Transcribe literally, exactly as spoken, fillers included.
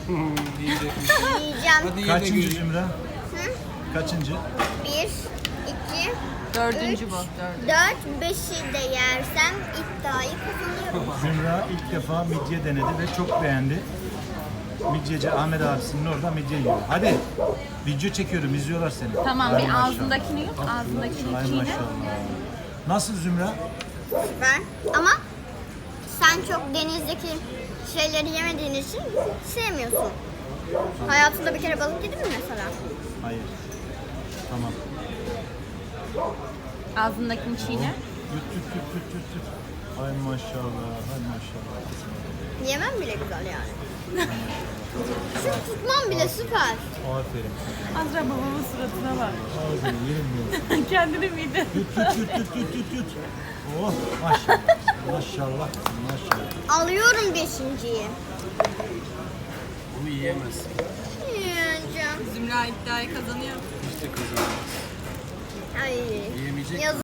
Yiyecekmiş. Yiyeceğim. Hadi ye de Kaçıncı göreyim. Zümra? Hı? Kaçıncı? Bir, iki, Dördüncü üç, bu. Dördüncü. dört, beşi de yersem iddiayı kazanıyorum. Zümra ilk defa midye denedi ve çok beğendi. Midyeci Ahmet abisinin orada midye yiyor. Hadi video çekiyorum, izliyorlar seni. Tamam Ay bir maşallah. ağzındakini yut. Ağzındakini Ay çiğne. maşallah. Nasıl Zümra? Süper. Ama sen çok denizdeki şeyleri yemediğin için sevmiyorsun. Hayatında bir kere balık yedin mi mesela? Hayır. Tamam. Ağzındakini çiğne. Yut yut yut yut yut yut. Ay maşallah, ay maşallah. Yemem bile güzel yani. Şu tutmam bile süper. Aferin. Azra babamın suratına bak. Ağzını yerim yiyorsun. Kendini miydi? Yut yut yut yut yut yut yut. Oh maşallah. Maşallah. Maşallah. Alıyorum beşinciyi. Onu yiyemezsin. Yiyeceğim. Zümra iddiayı kazanıyor. Hiç de kazanamaz. Ay. Yiyemeyecek Yazık.